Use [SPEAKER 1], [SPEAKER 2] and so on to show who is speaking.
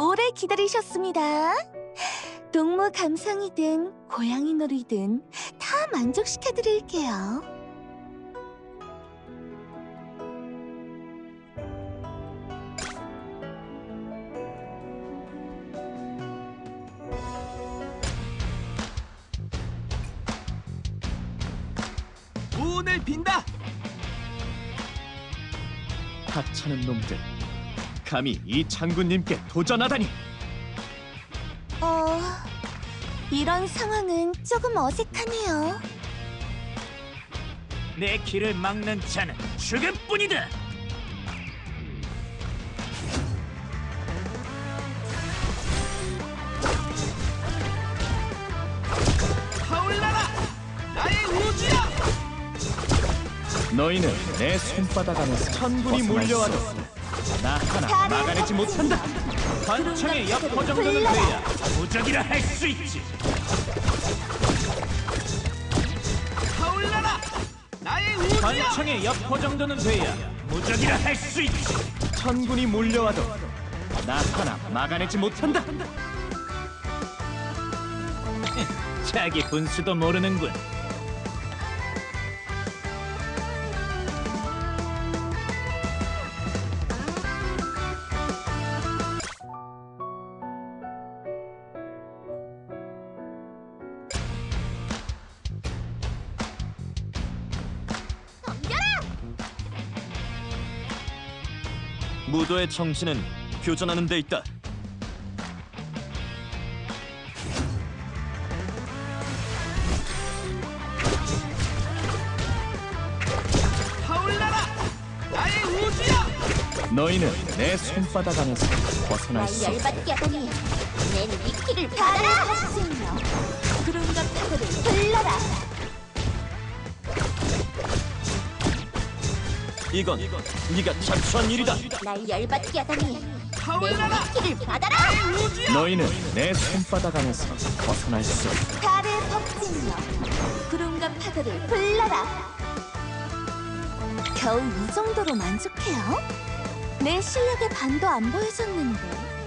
[SPEAKER 1] 오래 기다리셨습니다. 동물 감상이든 고양이 놀이든 다 만족시켜드릴게요.
[SPEAKER 2] 문을 빈다!
[SPEAKER 3] 하찮은 놈들, 감히 이 장군님께 도전하다니!
[SPEAKER 1] 이런 상황은 조금 어색하네요.
[SPEAKER 4] 내 길을 막는 자는 죽음뿐이다.
[SPEAKER 2] 타올라라! 나의 우주야!
[SPEAKER 3] 너희는 내 손바닥 안에서
[SPEAKER 4] 천군이
[SPEAKER 3] 벗어날 수
[SPEAKER 4] 몰려와도
[SPEAKER 3] 없어.
[SPEAKER 4] 나 하나
[SPEAKER 1] 다른
[SPEAKER 4] 막아내지 못한다. 관청의 여포 정도는
[SPEAKER 1] 불러라.
[SPEAKER 4] 돼야 무적이라 할 수 있지.
[SPEAKER 2] 타올라라! 나의 우주야!
[SPEAKER 4] 관청의 여포 정도는 돼야 무적이라 할 수 있지.
[SPEAKER 3] 천군이 몰려와도
[SPEAKER 4] 나 하나 막아내지 못한다. 자기 분수도 모르는군.
[SPEAKER 3] 무도의 정신은 교전하는 데 있다.
[SPEAKER 2] 타올라라! 나의 우주야!
[SPEAKER 3] 너희는 내 손바닥 안에서 벗어날 수 없어.
[SPEAKER 1] 열받게 하다니. 내 미끼를 받아라! 하시며 구름과 파도를 불러라!
[SPEAKER 3] 이건 네가 자초한 일이다.
[SPEAKER 1] 날 열받게 하다니. 내
[SPEAKER 2] 타올라라!
[SPEAKER 1] 미끼를 받아라!
[SPEAKER 3] 너희는 내 손바닥 안에서 벗어날 수 없다.
[SPEAKER 1] 달의 법칙이여 구름과 파도를 불러라. 겨우 이 정도로 만족해요? 내 실력의 반도 안 보여줬는데.